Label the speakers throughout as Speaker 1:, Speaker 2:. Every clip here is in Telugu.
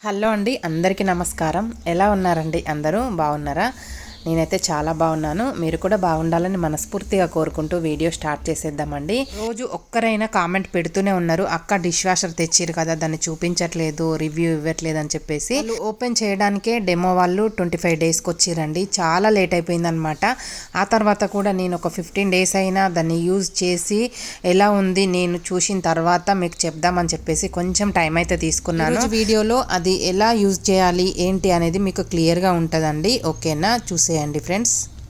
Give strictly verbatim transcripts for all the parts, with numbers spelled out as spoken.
Speaker 1: హలో అండి, అందరికీ నమస్కారం. ఎలా ఉన్నారండి? అందరూ బాగున్నారా? నేనైతే చాలా బాగున్నాను. మీరు కూడా బాగుండాలని మనస్ఫూర్తిగా కోరుకుంటూ వీడియో స్టార్ట్ చేసేద్దామండి. రోజు ఒక్కరైనా కామెంట్ పెడుతూనే ఉన్నారు, అక్క డిష్ వాషర్ తెచ్చిరు కదా, దాన్ని చూపించట్లేదు, రివ్యూ ఇవ్వట్లేదు అని చెప్పేసి. వాళ్ళు ఓపెన్ చేయడానికే డెమో వాళ్ళు ట్వంటీ ఫైవ్ డేస్కి వచ్చిరండి. చాలా లేట్ అయిపోయిందనమాట. ఆ తర్వాత కూడా నేను ఒక ఫిఫ్టీన్ డేస్ అయినా దాన్ని యూజ్ చేసి ఎలా ఉంది నేను చూసిన తర్వాత మీకు చెప్దామని చెప్పేసి కొంచెం టైం అయితే తీసుకున్నాను. వీడియోలో అది ఎలా యూజ్ చేయాలి ఏంటి అనేది మీకు క్లియర్గా ఉంటుందండి. ఓకేనా? చూసే అండి ఫ్రెండ్స్.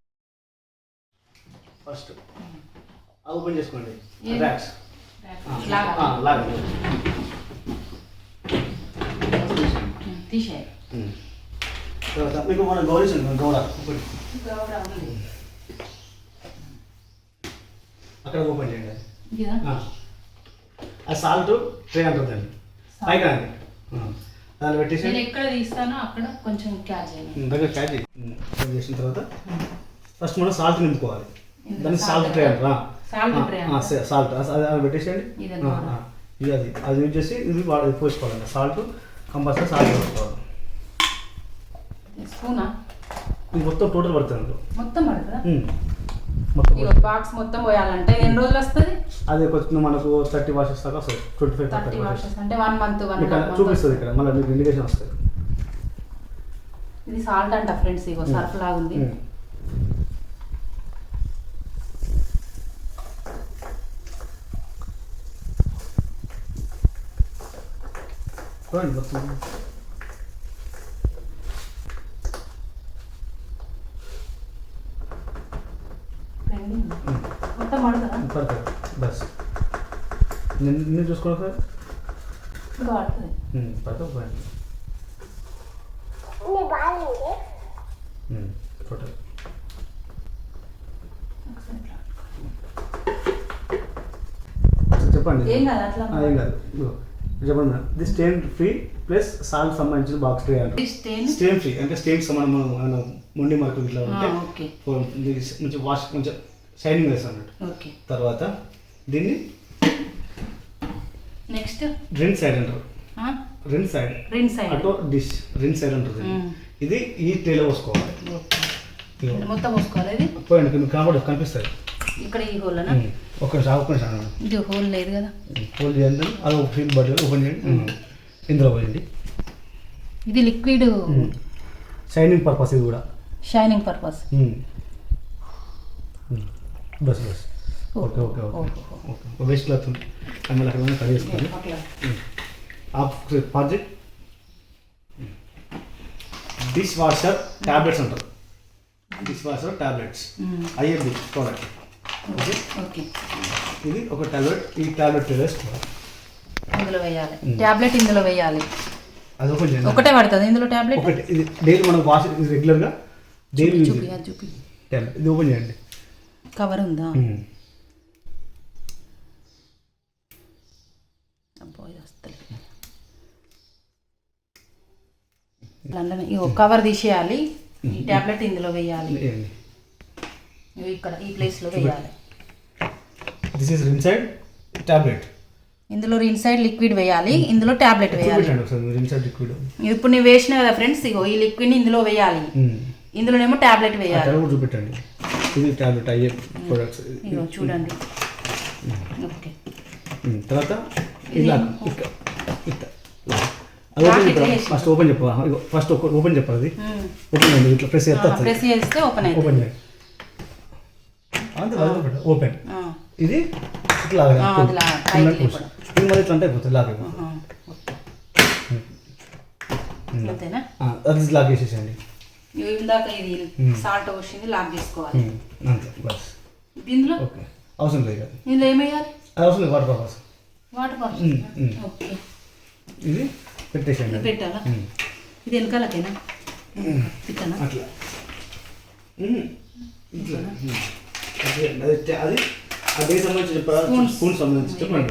Speaker 2: ఫస్ట్ ఓపెన్ చేసుకోండి. ర్యాక్స్ లాగ్
Speaker 3: తీసే
Speaker 2: తర్వాత మీకు మన గౌరీషన్ గౌడ ఒకటి అక్కడ ఓపెన్ చేయండి. ఆ సాల్ట్ ట్రే అంటుందండి పైకి రండి. దాన్ని పెట్టేసి
Speaker 3: నేను ఎక్కడ తీస్తానో అక్కడ కొంచెం క్యాచ్ చేయండి.
Speaker 2: దగ్గర క్యాచ్ చేసిన తర్వాత ఫస్ట్ మనం సాల్ట్ నింపుకోవాలి. దాన్ని సాల్ట్ ట్రే అంటారా? సాల్ట్ అది పెట్టేసేయండి. ఇది అది అది యూజ్ చేసి ఇది పోసుకోవాలండి. సాల్ట్ కంపల్సరీ సాల్ట్ పోసుకోవాలి.
Speaker 3: స్పూనా
Speaker 2: ఇది మొత్తం టోటల్ పడుతుంది.
Speaker 3: మొత్తం పడుతుందా?
Speaker 2: మొత్తం
Speaker 3: బాక్స్ మొత్తం పోయాలంటే ఎన్ని రోజులు వస్తుంది?
Speaker 2: అది కొంచెం మనకు థర్టీ వాషెస్ దాకా వస్తుంది. ట్వంటీ ఫైవ్
Speaker 3: థర్టీ వాషెస్ అంటే వన్ మంత్ వన్
Speaker 2: చూపిస్తుంది ఇక్కడ. మళ్ళీ మీకు ఇండికేషన్ వస్తుంది.
Speaker 3: ఇది సాల్ట్ అంట ఫ్రెండ్స్. ఇగో సర్ఫ్ లాగా ఉంది.
Speaker 2: మొత్తం
Speaker 3: మొత్తం పడుతుందా?
Speaker 2: పడుతుంది బస్. నేను చూసుకోవాలి సార్.
Speaker 3: ఇప్పుడు పడుతుంది.
Speaker 2: పడుతుంది పోయండి టోటల్. చెప్పండి.
Speaker 3: ఏం కాదు అట్లా
Speaker 2: ఏం కాదు చెప్పండి మేడం. ఇది స్టెయిన్ ఫ్రీ ప్లస్ సాల్ట్ సంబంధించిన బాక్స్ ట్రే అంటే స్టెయిన్ ఫ్రీ అంటే స్టెయిన్ సంబంధం మనం మొండి మార్కులు ఇట్లా ఉంటే మంచి వాష్ కొంచెం షైనింగ్ వేస్తాం అన్నట్టు. తర్వాత దీన్ని
Speaker 3: నెక్స్ట్
Speaker 2: రిన్ సైడ్ అంటారు. రిన్ సైడ్
Speaker 3: రిన్ సైడ్
Speaker 2: అటో డిష్ రిన్ సైడ్ అంటారు. ఇది ఈ ట్రేలో పోసుకోవాలి.
Speaker 3: మొత్తం పోసుకోవాలి. ఇది
Speaker 2: పోయండి మీకు కనబడి కనిపిస్తుంది
Speaker 3: ఇక్కడ ఈ హోల్ అన్న
Speaker 2: ఒక ఒక్క నిమిషం.
Speaker 3: ఇది హోల్ లేదు కదా?
Speaker 2: హోల్ చేయండి. అది ఒక ఫీల్ బట్టి ఓపెన్ చేయండి. ఇందులో పోయండి.
Speaker 3: ఇది లిక్విడ్
Speaker 2: షైనింగ్ పర్పస్. ఇది కూడా
Speaker 3: షైనింగ్ పర్పస్.
Speaker 2: బస్ బస్ okay okay okay okay waste cloth ఉంది. మళ్ళీ అక్కడ కట్ చేసుకోండి. Of project dish washer tablets అంటారు. Dish washer tablets IFB product. Okay
Speaker 3: okay
Speaker 2: ఇది ఒక ట్యాబ్లెట్. ఈ ట్యాబ్లెట్ వేసుకోవాలి.
Speaker 3: ఇందులో వేయాలి ట్యాబ్లెట్. ఇందులో వేయాలి.
Speaker 2: అది ఓపెన్ చేయండి.
Speaker 3: ఒకటే పడుతుంది ఇందులో ట్యాబ్లెట్.
Speaker 2: ఒకటి ఇది డైలీ మనం వాష్ ఇది రెగ్యులర్గా డైలీ
Speaker 3: చూపి చూపి
Speaker 2: ట్యాబ్లెట్. ఇది ఓపెన్ చేయండి.
Speaker 3: కవర్ ఉందా? అబ్బాయి వస్తలే. ఇగో కవర్ తీసేయాలి. ఈ ట్యాబ్లెట్ ఇందులో వేయాలి. ఇక్కడ ఈ ప్లేస్ లో వేయాలి.
Speaker 2: This is inside tablet.
Speaker 3: ఇందులో ఇన్సైడ్ లిక్విడ్ వేయాలి. ఇందులో టాబ్లెట్ వేయాలి.
Speaker 2: ఇన్సైడ్ లిక్విడ్
Speaker 3: ఇప్పుడు నేను వేసిన కదా ఫ్రెండ్స్. ఇగో ఈ లిక్విడ్ ని ఇందులో వేయాలి. ఇందులోనేమో టాబ్లెట్ వేయాలి.
Speaker 2: చూపెట్టండి. ఇది టాబ్లెట్ అయ్యే ప్రొడక్ట్స్.
Speaker 3: ఇగో చూడండి. ఓకే
Speaker 2: తర్వాత ఇలా ఫస్ట్ ఓపెన్ చెప్పా. ఫస్ట్ ఓపెన్ చెప్పాలి. అది ఓపెన్ అయింది. ఇట్లా ప్రెస్ చేస్తే
Speaker 3: ప్రెస్ చేస్తే ఓపెన్ అయింది.
Speaker 2: ఓపెన్ చేయండి. అంతే ఓపెన్. ఇది ఇట్లా ఇది మళ్ళీ ఇట్లా అంటే అయిపోతుంది. లాగ్
Speaker 3: అంతేనా?
Speaker 2: అది లాగ్ చేసేసండి.
Speaker 3: ఇందాక ఇది సాల్ట్ వచ్చింది లాగ్ చేసుకోవాలి.
Speaker 2: అంతే బస్.
Speaker 3: ఇందులో
Speaker 2: ఓకే అవసరం లేదు.
Speaker 3: ఇందులో ఏమేయాలి?
Speaker 2: అది అవసరం లేదు. Water purpose.
Speaker 3: Water purpose. Okay
Speaker 2: ఇది పెట్టేసండి.
Speaker 3: పెట్టాలా? ఇది వెనకాలకేనా? పెట్టానా?
Speaker 2: అట్లా అది అది అదే సంబంధించి చెప్పారా? స్పూన్ సంబంధించి చెప్పండి.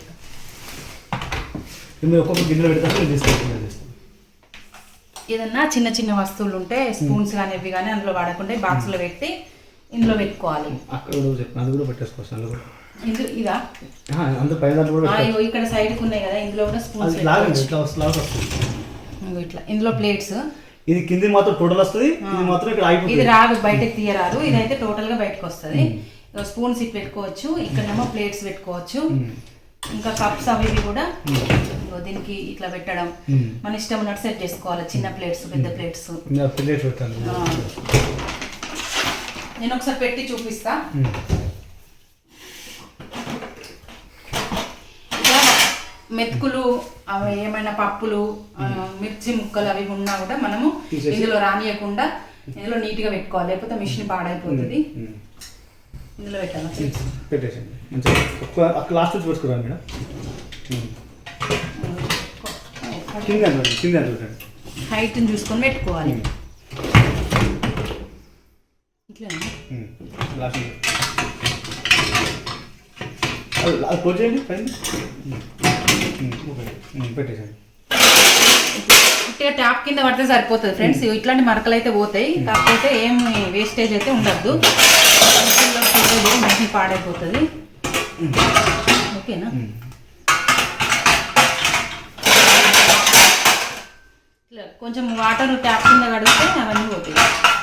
Speaker 2: మీరు ఒక్కొక్క గిన్నెలో పెడతారు. నేను తీసుకెళ్తాను.
Speaker 3: ఏదన్నా చిన్న చిన్న వస్తువులు ఉంటే స్పూన్స్ కానీ ఇవి కానీ అందులో వాడకుండా బాక్స్లో పెట్టి ఇందులో పెట్టుకోవాలి.
Speaker 2: అక్కడ కూడా చెప్పిన అది కూడా పెట్టేసుకోవచ్చు. అందులో కూడా
Speaker 3: ఇందు ఇదా
Speaker 2: అంత పైన కూడా
Speaker 3: ఇక్కడ సైడ్ కు ఉన్నాయి కదా ఇందులో కూడా స్పూన్స్
Speaker 2: లాగండి. ఇట్లా లాగా వస్తుంది.
Speaker 3: ఇంకో ఇట్లా ఇందులో ప్లేట్స్,
Speaker 2: ఇది కింది మాత్రం టోటల్ వస్తుంది, ఇది మాత్రం ఇక్కడ ఆగిపోతుంది.
Speaker 3: ఇది రాదు, బయటకు తీయరాదు, ఇదైతే టోటల్ గా బయటకు వస్తుంది. స్పూన్స్ ఇట్ పెట్టుకోవచ్చు, ఇక్కడేమో ప్లేట్స్ పెట్టుకోవచ్చు, ఇంకా కప్స్ అవి ఇవి కూడా దీనికి ఇట్లా పెట్టడం మన ఇష్టం ఉన్నట్టు సెట్ చేసుకోవాలి. చిన్న ప్లేట్స్, పెద్ద ప్లేట్స్. నేను ఒకసారి పెట్టి చూపిస్తా. ఇట్లా మెతుకులు అవి ఏమైనా పప్పులు, మిర్చి ముక్కలు అవి ఉన్నా కూడా మనము ఇందులో రానియకుండా ఇందులో నీట్గా పెట్టుకోవాలి, లేకపోతే మిషన్ పాడైపోతుంది. ఇందులో పెట్టాను
Speaker 2: పెట్టేసండి మంచిగా లాస్ట్ వచ్చి పెట్టుకురా మేడం. కింద కింద
Speaker 3: హైట్ చూసుకొని పెట్టుకోవాలి. ఇట్లా
Speaker 2: లాస్ట్ అది క్లోజ్ చేయండి పైన పెట్టేసండి.
Speaker 3: ఇట్లా ట్యాప్ కింద పడితే సరిపోతుంది ఫ్రెండ్స్. ఇట్లాంటి మరకలు అయితే పోతాయి, కాకపోతే ఏం వేస్టేజ్ అయితే ఉండద్దు, మిషన్ పాడైపోతుంది. ఓకేనా? ఇట్లా కొంచెం వాటర్ ట్యాప్ కింద కడిగితే అవన్నీ పోతాయి.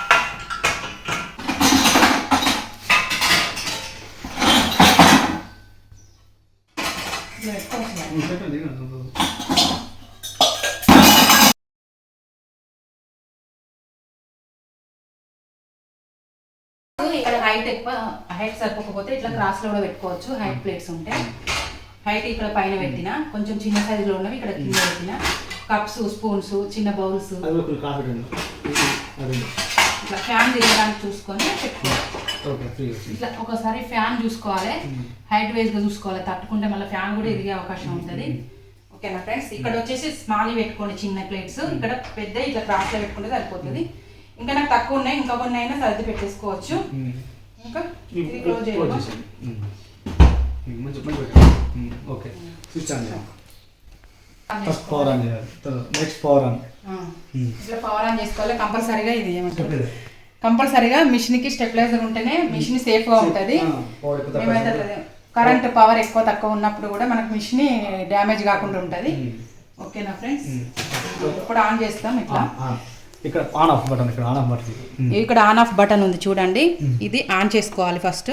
Speaker 3: ఇక్కడ హైట్ ఎక్కువ, హైట్ సరిపోకపోతే ఇట్లా క్రాస్ లో కూడా పెట్టుకోవచ్చు. హైట్ ప్లేట్స్ ఉంటే హైట్ ఇక్కడ పైన పెట్టిన, కొంచెం చిన్న సైజులో ఉన్నవి ఇక్కడ కింద పెట్టిన. కప్స్, స్పూన్స్, చిన్న బౌల్స్, ఇట్లా ఫ్యాన్ తిరగడానికి చూసుకొని పెట్టుకోవాలి. ఇట్లా ఒకసారి ఫ్యాన్ చూసుకోవాలి, హైట్ వైజ్ గా చూసుకోవాలి, తట్టుకుంటే మళ్ళీ ఫ్యాన్ కూడా ఎదిగే అవకాశం ఉంటుంది. ఓకేనా ఫ్రెండ్స్? ఇక్కడ వచ్చేసి స్మాల్ పెట్టుకోండి చిన్న ప్లేట్స్, ఇక్కడ పెద్ద ఇట్లా క్రాస్ లో పెట్టుకుంటే సరిపోతుంది. ఇంకా నాకు తక్కువ ఉన్నాయి, ఇంకా కొన్ని అయినా సర్ది పెట్టేసుకోవచ్చు. ఇంకా ఇది క్లోజ్ చేయాలి.
Speaker 2: ఓకే, స్విచ్ ఆన్ చేయాలి. ఫస్ట్ పవర్ ఆన్ చేయాలి, నెక్స్ట్ పవర్ ఆన్.
Speaker 3: ఇట్లా పవర్ ఆన్ చేసుకోవాలి కంపల్సరీగా. ఇది ఏమంటారు, కంపల్సరీగా మిషన్ కి స్టెబిలైజర్ ఉంటేనే మిషన్ సేఫ్ గా ఉంటుంది. మేమైతే కరెంట్ పవర్ ఎక్కువ తక్కువ ఉన్నప్పుడు కూడా మనకు మిషన్ డ్యామేజ్ కాకుండా ఉంటుంది. ఓకేనా ఫ్రెండ్స్? ఇప్పుడు ఆన్ చేస్తాం. ఇట్లా
Speaker 2: ఇక్కడ ఆన్ ఆఫ్ బటన్, ఇక్కడ ఆన్ ఆఫ్ బటన్,
Speaker 3: ఇక్కడ ఆన్ ఆఫ్ బటన్ ఉంది చూడండి. ఇది ఆన్ చేసుకోవాలి ఫస్ట్.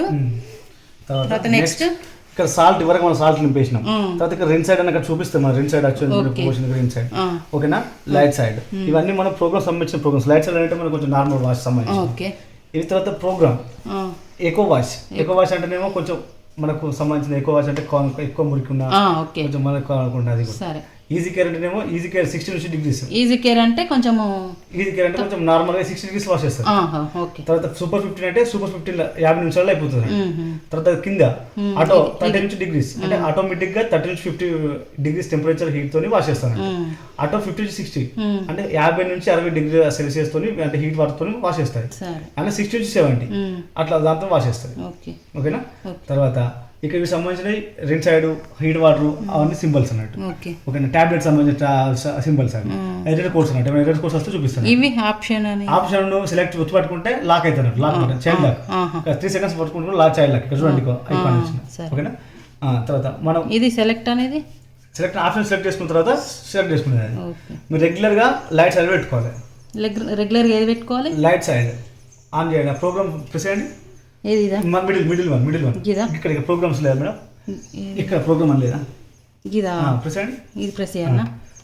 Speaker 3: తర్వాత నెక్స్ట్
Speaker 2: ఇక్కడ సాల్ట్, వరకు మనం సాల్ట్ నింపేసినాం. తర్వాత ఇక్కడ రెండు సైడ్ అని అక్కడ చూపిస్తాం, మన రెండు సైడ్ యాక్చువల్ రెండు సైడ్. ఓకేనా? లైట్ సైడ్ ఇవన్నీ మన ప్రోగ్రామ్ సంబంధించిన ప్రోగ్రామ్స్. లైట్ సైడ్ అంటే మనకు కొంచెం నార్మల్ వాష్ సంబంధించి. ఇది తర్వాత program eco wash. Eco wash అంటేనేమో కొంచెం మనకు సంబంధించిన ఎకో వాష్ అంటే ఎక్కువ మురికి ఉన్న కొంచెం మనకు అనుకుంటుంది. అది కూడా ఈజీ కేర్ అంటేనేమో ఈజీ కేర్ సిక్స్టీ నుంచి డిగ్రీస్.
Speaker 3: ఈజీ కేర్ అంటే కొంచెం
Speaker 2: ఈజీ కేర్ అంటే కొంచెం నార్మల్ గా సిక్స్టీ డిగ్రీస్ వాష్ చేస్తారు. తర్వాత సూపర్ ఫిఫ్టీన్ అంటే సూపర్ ఫిఫ్టీన్ యాభై నిమిషాల్లో అయిపోతుంది. తర్వాత కింద ఆటో థర్టీ నుంచి డిగ్రీస్ అంటే ఆటోమేటిక్ గా థర్టీ నుంచి ఫిఫ్టీ డిగ్రీస్ టెంపరేచర్ హీట్ తోని వాష్ చేస్తాను. ఆటో ఫిఫ్టీ నుంచి సిక్స్టీ అంటే యాభై నుంచి అరవై డిగ్రీ సెల్సియస్ తోని అంటే హీట్ వాటర్ తోని వాష్ చేస్తారు. అంటే సిక్స్టీ నుంచి సెవెంటీ అట్లా దాంతో వాష్ చేస్తారు. ఓకేనా? తర్వాత ఇక్కడ సంబంధించిన రెండు సైడ్ హీట్ వాటర్ అవన్నీ సింబల్స్ అన్నట్టు. ఓకేనా? టాబ్లెట్ సంబంధించిన సింబల్స్ అండి. ఎడిటర్ కోర్స్ అన్నట్టు ఎడిటర్ కోర్స్ వస్తే చూపిస్తాను.
Speaker 3: ఇవి ఆప్షన్ అని
Speaker 2: ఆప్షన్ సెలెక్ట్ గుర్తు పట్టుకుంటే లాక్ అవుతారు. Lock button, child lock. Three seconds పట్టుకుంటే లాక్, చైల్డ్ లాక్. ఇక్కడ చూడండి ఐకాన్ వచ్చింది. ఓకేనా? తర్వాత మనం
Speaker 3: ఇది సెలెక్ట్ అనేది
Speaker 2: సెలెక్ట్ ఆప్షన్ సెలెక్ట్ చేసుకున్న తర్వాత సెలెక్ట్ చేసుకునేది. మీరు రెగ్యులర్ గా లైట్ సైడ్ పెట్టుకోవాలి.
Speaker 3: రెగ్యులర్ గా ఏది పెట్టుకోవాలి?
Speaker 2: లైట్ సైడ్ ఆన్ చేయండి. ప్రోగ్రామ్ ప్రెస్ చేయండి.
Speaker 3: ఏది
Speaker 2: middle middle one middle one ఇక్కడ ప్రోగ్రామ్స్ లేదా మేడం? ఇక్కడ ప్రోగ్రామ్ అని లేదా?
Speaker 3: ఇదా
Speaker 2: ప్రెస్ చేయండి.
Speaker 3: ఇది ప్రెస్ చేయాలా?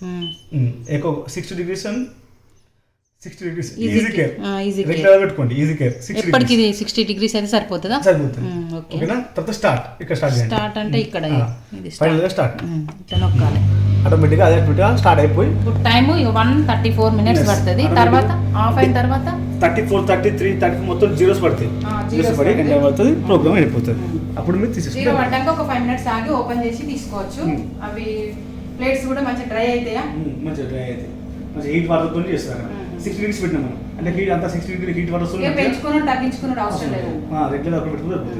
Speaker 2: ఎక్కువ sixty degrees and sixty degrees easy care. Regular పెట్టుకోండి ఈజీ కేర్.
Speaker 3: ఎప్పటికి ఇది సిక్స్టీ డిగ్రీస్ అయితే సరిపోతుందా?
Speaker 2: సరిపోతుంది. ఓకేనా? తర్వాత స్టార్ట్. ఇక్కడ స్టార్ట్ చేయండి.
Speaker 3: స్టార్ట్ అంటే ఇక్కడ ఇది
Speaker 2: ఫైనల్ స్టార్ట్.
Speaker 3: ఇట్లా నొక్కాలి.
Speaker 2: ఆటోమేటిక్గా అదే ఆటోమేటిక్గా స్టార్ట్ అయిపోయి
Speaker 3: time one thirty four minutes పడుతుంది. తర్వాత ఆఫ్ అయిన తర్వాత
Speaker 2: thirty four thirty three thirty మొత్తం జీరోస్ పడతాయి. జీరోస్ పడి ఎండ్ పడుతుంది, ప్రోగ్రామ్ అయిపోతుంది. అప్పుడు మీరు తీసేసి
Speaker 3: జీరో పడ్డాక ఒక ఫైవ్ మినిట్స్ ఆగి ఓపెన్ చేసి తీసుకోవచ్చు. అవి ప్లేట్స్ కూడా మంచిగా డ్రై అవుతాయా?
Speaker 2: మంచిగా డ్రై అవుతాయి. మంచిగా హీట్ వాటర్ తో చేస్తారు. సిక్స్టీ డిగ్రీస్ పెట్టినా మనం అంటే హీట్ అంతా సిక్స్టీ డిగ్రీ హీట్ వాటర్ వస్తుంది.
Speaker 3: పెంచుకున్నాడు తగ్గించుకున్నాడు అవసరం లేదు.
Speaker 2: రెగ్యులర్ అక్కడ పెట్టుకుంటే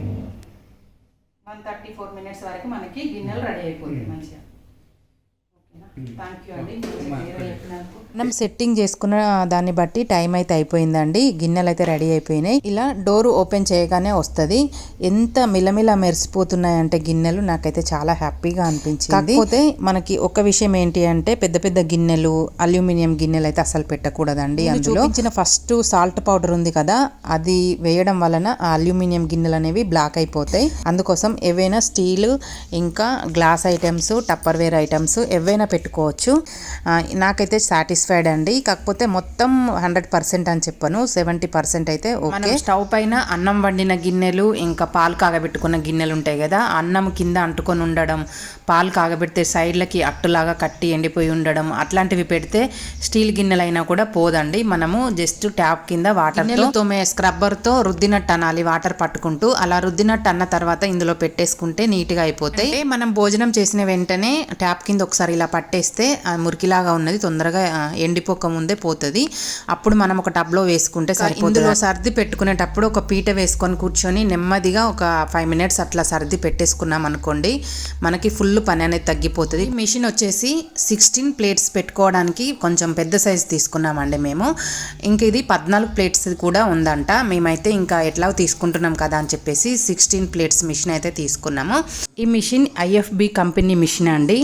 Speaker 3: వన్ థర్టీ ఫోర్ మినిట్స్ వరకు మనకి గిన్నెలు రెడీ అయిపోతుంది మంచిగా. ఓకేనా? థ్యాంక్ యూ అండి చెప్పినందుకు.
Speaker 1: మనం సెట్టింగ్ చేసుకున్న దాన్ని బట్టి టైం అయితే అయిపోయిందండి. గిన్నెలు అయితే రెడీ అయిపోయినాయి. ఇలా డోర్ ఓపెన్ చేయగానే వస్తుంది. ఎంత మిలమిల మెరిసిపోతున్నాయంటే గిన్నెలు, నాకైతే చాలా హ్యాపీగా అనిపించింది. కాకపోతే మనకి ఒక విషయం ఏంటి అంటే పెద్ద పెద్ద గిన్నెలు, అల్యూమినియం గిన్నెలు అయితే అసలు పెట్టకూడదండి. అందులో చూపించిన ఫస్ట్ సాల్ట్ పౌడర్ ఉంది కదా, అది వేయడం వలన ఆ అల్యూమినియం గిన్నెలు అనేవి బ్లాక్ అయిపోతాయి. అందుకోసం ఏవైనా స్టీల్ ఇంకా glass items, Tupperware items ఏవైనా పెట్టుకోవచ్చు. నాకైతే సాటిస్ఫైడ్ అండి. కాకపోతే మొత్తం హండ్రెడ్ పర్సెంట్ అని చెప్పను, సెవెంటీ పర్సెంట్ అయితే ఓకే. స్టవ్ పైన అన్నం వండిన గిన్నెలు ఇంకా పాలు కాగబెట్టుకున్న గిన్నెలు ఉంటాయి కదా, అన్నం కింద అంటుకొని ఉండడం, పాలు కాగబెడితే సైడ్లకి అట్టులాగా కట్టి ఎండిపోయి ఉండడం, అట్లాంటివి పెడితే స్టీల్ గిన్నెలైనా కూడా పోదండి. మనము జస్ట్ ట్యాప్ కింద వాటర్తో తోమే స్క్రబ్బర్తో రుద్దినట్టు అనాలి, వాటర్ పట్టుకుంటూ. అలా రుద్దినట్టు అన్న తర్వాత ఇందులో పెట్టేసుకుంటే నీట్గా అయిపోతాయి. మనం భోజనం చేసిన వెంటనే ట్యాప్ కింద ఒకసారి ఇలా పట్టేస్తే మురికిలాగా ఉన్నది తొందరగా ఎండిపోక ముందే పోతుంది. అప్పుడు మనం ఒక టబ్లో వేసుకుంటే సరిపోతుంది. ఇందులో సర్ది పెట్టుకునేటప్పుడు ఒక పీట వేసుకొని కూర్చొని నెమ్మదిగా ఒక ఫైవ్ మినిట్స్ అట్లా సర్ది పెట్టేసుకున్నాం అనుకోండి, మనకి ఫుల్ పని అనేది తగ్గిపోతుంది. మిషన్ వచ్చేసి సిక్స్టీన్ ప్లేట్స్ పెట్టుకోవడానికి కొంచెం పెద్ద సైజ్ తీసుకున్నామండి మేము. ఇంక ఇది పద్నాలుగు ప్లేట్స్ కూడా ఉందంట. మేమైతే ఇంకా ఎట్లా తీసుకుంటున్నాం కదా అని చెప్పేసి సిక్స్టీన్ ప్లేట్స్ మిషన్ అయితే తీసుకున్నాము. ఈ మిషన్ ఐఎఫ్బి కంపెనీ మిషన్ అండి.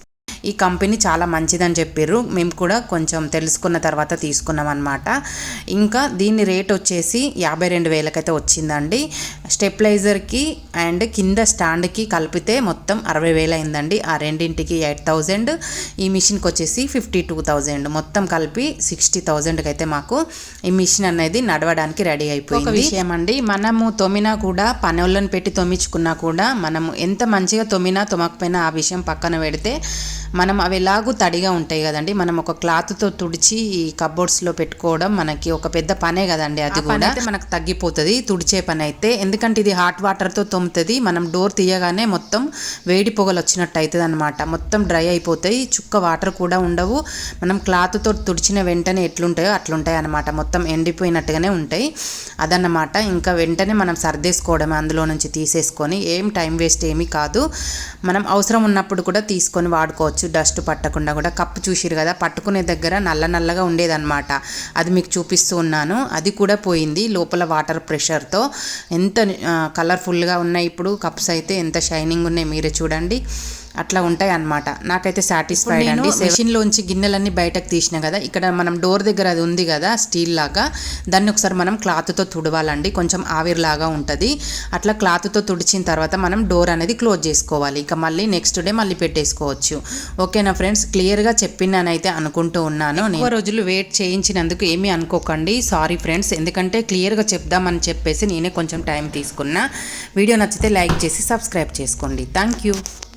Speaker 1: ఈ కంపెనీ చాలా మంచిదని చెప్పారు. మేము కూడా కొంచెం తెలుసుకున్న తర్వాత తీసుకున్నాం అనమాట. ఇంకా దీని రేట్ వచ్చేసి యాభై రెండు వేలకైతే వచ్చిందండి. స్టెప్లైజర్కి అండ్ కింద స్టాండ్కి కలిపితే మొత్తం అరవై వేలు అయిందండి. ఆ రెండింటికి ఎయిట్ థౌజండ్, ఈ మిషన్కి వచ్చేసి ఫిఫ్టీ టూ థౌజండ్, మొత్తం కలిపి సిక్స్టీ థౌజండ్కి అయితే మాకు ఈ మిషన్ అనేది నడవడానికి రెడీ అయిపోయింది. ఒక విషయం అండి, మనము తొమ్మినా కూడా పనులను పెట్టి తొమ్మించుకున్నా కూడా మనము ఎంత మంచిగా తొమ్మినా తొమ్మకపోయినా ఆ విషయం పక్కన పెడితే మనం అవి ఎలాగూ తడిగా ఉంటాయి కదండి. మనం ఒక క్లాత్తో తుడిచి ఈ కబోర్డ్స్లో పెట్టుకోవడం మనకి ఒక పెద్ద పనే కదండి. అది కూడా మనకు తగ్గిపోతుంది తుడిచే పని అయితే. ఎందుకంటే ఇది హాట్ వాటర్తో తొమ్ముతుంది. మనం డోర్ తీయగానే మొత్తం వేడి పొగలు వచ్చినట్టు అవుతుంది అనమాట. మొత్తం డ్రై అయిపోతాయి, చుక్క వాటర్ కూడా ఉండవు. మనం క్లాత్తో తుడిచిన వెంటనే ఎట్లుంటాయో అట్లుంటాయి అనమాట. మొత్తం ఎండిపోయినట్టుగానే ఉంటాయి అదన్నమాట. ఇంకా వెంటనే మనం సర్దేసుకోవడమే అందులో నుంచి తీసేసుకొని. ఏం టైం వేస్ట్ ఏమీ కాదు. మనం అవసరం ఉన్నప్పుడు కూడా తీసుకొని వాడుకోవచ్చు, డస్ట్ పట్టకుండా కూడా. కప్పు చూసిరు కదా, పట్టుకునే దగ్గర నల్ల నల్లగా ఉండేదన్నమాట. అది మీకు చూపిస్తూ ఉన్నాను. అది కూడా పోయింది లోపల వాటర్ ప్రెషర్తో. ఎంత కలర్ఫుల్గా ఉన్నాయి ఇప్పుడు కప్స్ అయితే, ఎంత షైనింగ్ ఉన్నాయి మీరే చూడండి. అట్లా ఉంటాయి అన్నమాట. నాకైతే సాటిస్ఫైడ్ అండి. మెషిన్లోంచి గిన్నెలన్నీ బయటకు తీసిన కదా, ఇక్కడ మనం డోర్ దగ్గర అది ఉంది కదా స్టీల్ లాగా, దాన్ని ఒకసారి మనం క్లాత్తో తుడవాలండి. కొంచెం ఆవిరిలాగా ఉంటుంది. అట్లా క్లాత్తో తుడిచిన తర్వాత మనం డోర్ అనేది క్లోజ్ చేసుకోవాలి. ఇక మళ్ళీ నెక్స్ట్ డే మళ్ళీ పెట్టేసుకోవచ్చు. ఓకేనా ఫ్రెండ్స్, క్లియర్గా చెప్పినానైతే అనుకుంటూ ఉన్నాను. ఎక్కువ రోజులు వెయిట్ చేయించినందుకు ఏమీ అనుకోకండి, సారీ ఫ్రెండ్స్. ఎందుకంటే క్లియర్గా చెప్దామని చెప్పేసి నేనే కొంచెం టైం తీసుకున్నా. వీడియో నచ్చితే లైక్ చేసి సబ్స్క్రైబ్ చేసుకోండి. Thank you.